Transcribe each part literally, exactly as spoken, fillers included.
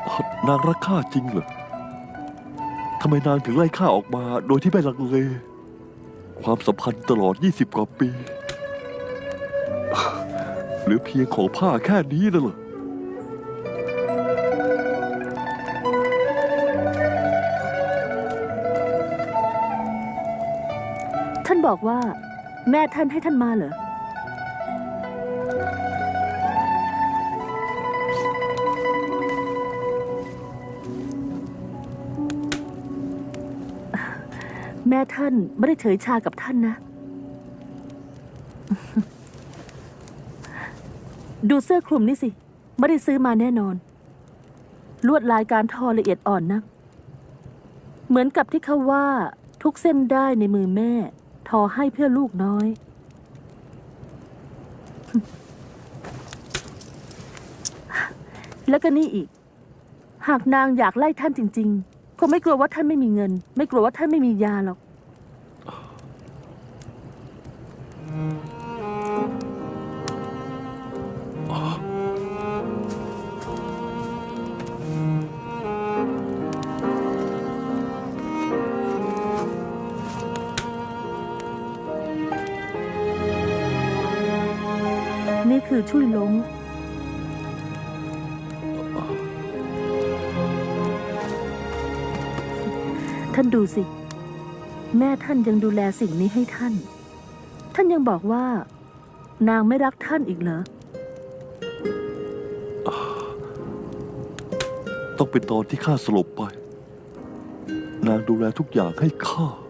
นางรักข้าจริงเหรอทำไมนางถึงไล่ข้าออกมาโดยที่ไม่ลังเลความสัมพันธ์ตลอดยี่สิบกว่าปีหรือเพียงของผ้าแค่นี้น่ะเหรอท่านบอกว่าแม่ท่านให้ท่านมาเหรอแม่ท่านไม่ได้เฉยชากับท่านนะ ดูเสื้อคลุมนี่สิไม่ได้ซื้อมาแน่นอนลวดลายการทอละเอียดอ่อนนักเหมือนกับที่เขาว่าทุกเส้นได้ในมือแม่ทอให้เพื่อลูกน้อย แล้วก็นี่อีกหากนางอยากไล่ท่านจริงๆคงไม่กลัวว่าท่านไม่มีเงินไม่กลัวว่าท่านไม่มียาหรอกนี่คือชุยลงท่านดูสิแม่ท่านยังดูแลสิ่งนี้ให้ท่านท่านยังบอกว่านางไม่รักท่านอีกเหรอต้องเป็นตอนที่ข้าสลบไปนางดูแลทุกอย่างให้ข้า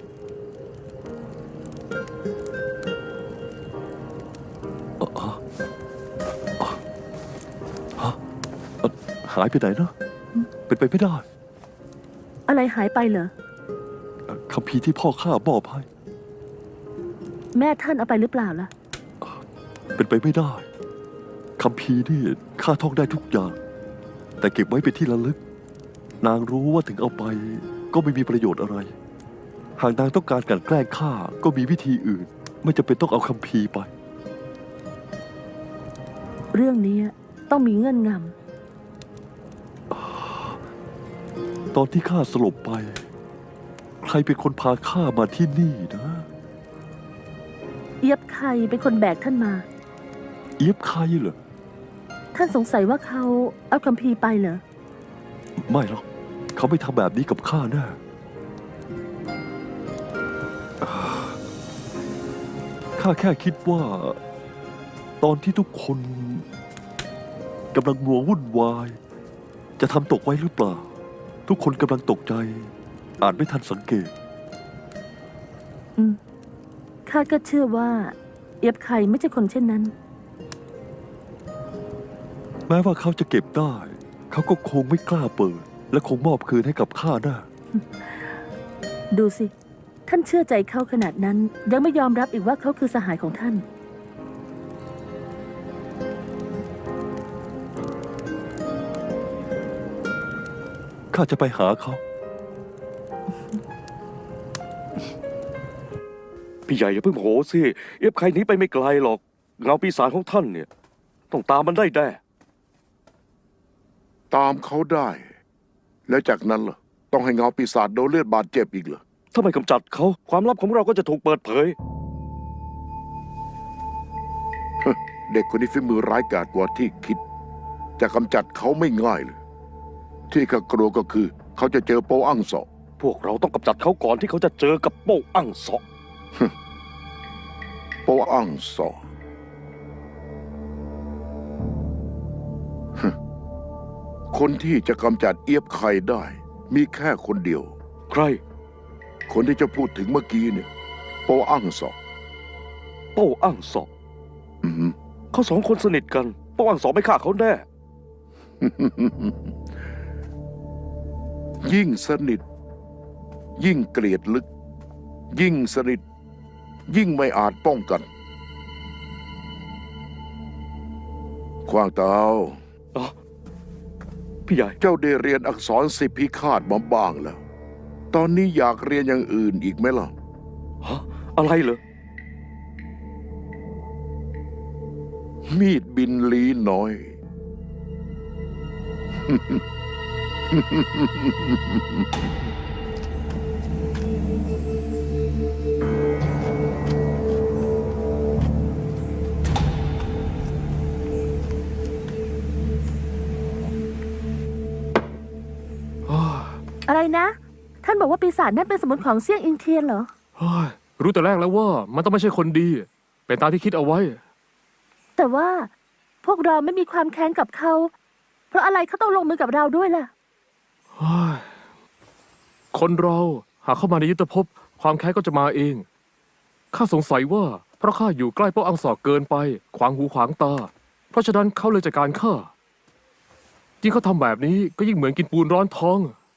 หายไปไหนนะเป็นไปไม่ได้อะไรหายไปเหรอคัมภีร์ที่พ่อข้ามอบให้แม่ท่านเอาไปหรือเปล่าล่ะเป็นไปไม่ได้คัมภีร์นี่ข้าท่องได้ทุกอย่างแต่เก็บไว้เป็นที่ระลึกนางรู้ว่าถึงเอาไปก็ไม่มีประโยชน์อะไรหากนางต้องการกลั่นแกล้งข้าก็มีวิธีอื่นไม่จำเป็นต้องเอาคัมภีร์ไปเรื่องนี้ต้องมีเงื่อนงำตอนที่ข้าสลบไปใครเป็นคนพาข้ามาที่นี่นะเอียบใครเป็นคนแบกท่านมาเอียบใครเหรอท่านสงสัยว่าเขาเอาคัมภีร์ไปเหรอไม่หรอกเขาไม่ทำแบบนี้กับข้าแน่ข้าแค่คิดว่าตอนที่ทุกคนกำลังงัววุ่นวายจะทำตกไว้หรือเปล่าทุกคนกำลังตกใจอาจไม่ทันสังเกตอืมข้าก็เชื่อว่าเอียบใครไม่ใช่คนเช่นนั้นแม้ว่าเขาจะเก็บได้เขาก็คงไม่กล้าเปิดและคงมอบคืนให้กับข้าแน่ดูสิท่านเชื่อใจเขาขนาดนั้นยังไม่ยอมรับอีกว่าเขาคือสหายของท่านข้าจะไปหาเขาพี่ใหญ่อย่าเพิ่งโหสิเอฟใครหนีไปไม่ไกลหรอกเงาปีศาจของท่านเนี่ยต้องตามมันได้แน่ตามเขาได้ แล้วจากนั้นล่ะต้องให้เงาปีศาจโดนเลือดบาดเจ็บอีกเหรอถ้าไม่กำจัดเขาความลับของเราก็จะถูกเปิดเผยเด็กคนนี้ฝีมือร้ายกาจกว่าที่คิดจะกำจัดเขาไม่ง่ายเลยที่ข้ากลัวก็คือเขาจะเจอโปอั้งเสาะพวกเราต้องกำจัดเขาก่อนที่เขาจะเจอกับโป้อั้งเสาะโปอั้งเสาะคนที่จะกำจัดเอียบไข่ได้มีแค่คนเดียวใครคนที่จะพูดถึงเมื่อกี้เนี่ยโปอั้งเสาะโป้อั้งเสาะอืมเขาสองคนสนิทกันโป้อั้งเสาะไม่ฆ่าเขาแน่ยิ่งสนิทยิ่งเกลียดลึกยิ่งสนิทยิ่งไม่อาจป้องกันขว้างเตาพี่ใหญ่เจ้าได้เรียนอักษรสิบพิฆาตมาบ้างแล้วตอนนี้อยากเรียนอย่างอื่นอีกไหมล่ะฮะอะไรเหรอมีดบินลีน้อยอะไรนะ ท่านบอกว่าปีศาจนั่นเป็นสมุนของเซี่ยงอิงเทียนเหรอเฮ้ยรู้แต่แรกแล้วว่ามันต้องไม่ใช่คนดี เป็นตามที่คิดเอาไว้แต่ว่าพวกเราไม่มีความแค้นกับเขา เพราะอะไรเขาต้องลงมือกับเราด้วยล่ะเฮ้ยคนเราหากเข้ามาในยุทธภพความแค้นก็จะมาเอง ข้าสงสัยว่าเพราะข้าอยู่ใกล้โป๊ะอังสอเกินไป ขวางหูขวางตา เพราะฉะนั้นเขาเลยจัดการข้ายิ่งเขาทำแบบนี้ก็ยิ่งเหมือนกินปูนร้อนท้อง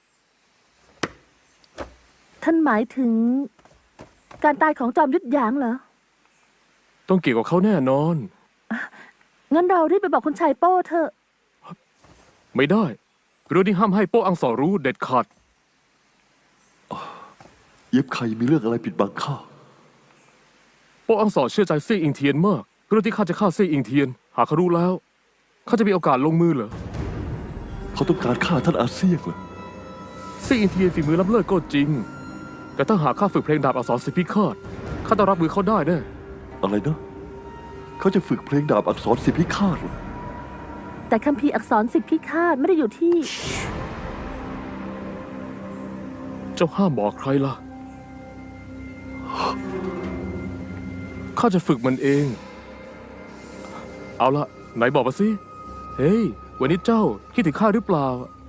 ท่านหมายถึง การตายของจอมยุทธหยางเหรอต้องเกี่ยวกับเขาแน่นอนงั้นเรารีบไปบอกคุณชายโป้เถอะไม่ได้เรื่องนี้ห้ามให้โป๊ะอังสอรู้เด็ดขาดเย็บใครมีเรื่องอะไรปิดบังข้าโป๊ะอังสอเชื่อใจซี่อิงเทียนมากเรื่องที่ข้าจะฆ่าซี่อิงเทียน หากเขารู้แล้วเขาจะมีโอกาสลงมือเหรอเขาต้องการฆ่าท่านอาเซียงเหรอซี่อิงเทียนฝีมือล้ำเลิศก็จริง แต่ถ้าหากข้าฝึกเพลงดาบอักษรสิบพิฆาตข้าต้องรับมือเขาได้แน่อะไรนะ เขาจะฝึกเพลงดาบอักษรสิบพิฆาตเหรอแต่คัมภีร์อักษรสิบพิฆาตไม่ได้อยู่ที่เจ้าห้ามบอกใครล่ะ ข้าจะฝึกมันเอง เอาละไหนบอกมาสิ เฮ้ย วันนี้เจ้าคิดถึงข้าหรือเปล่า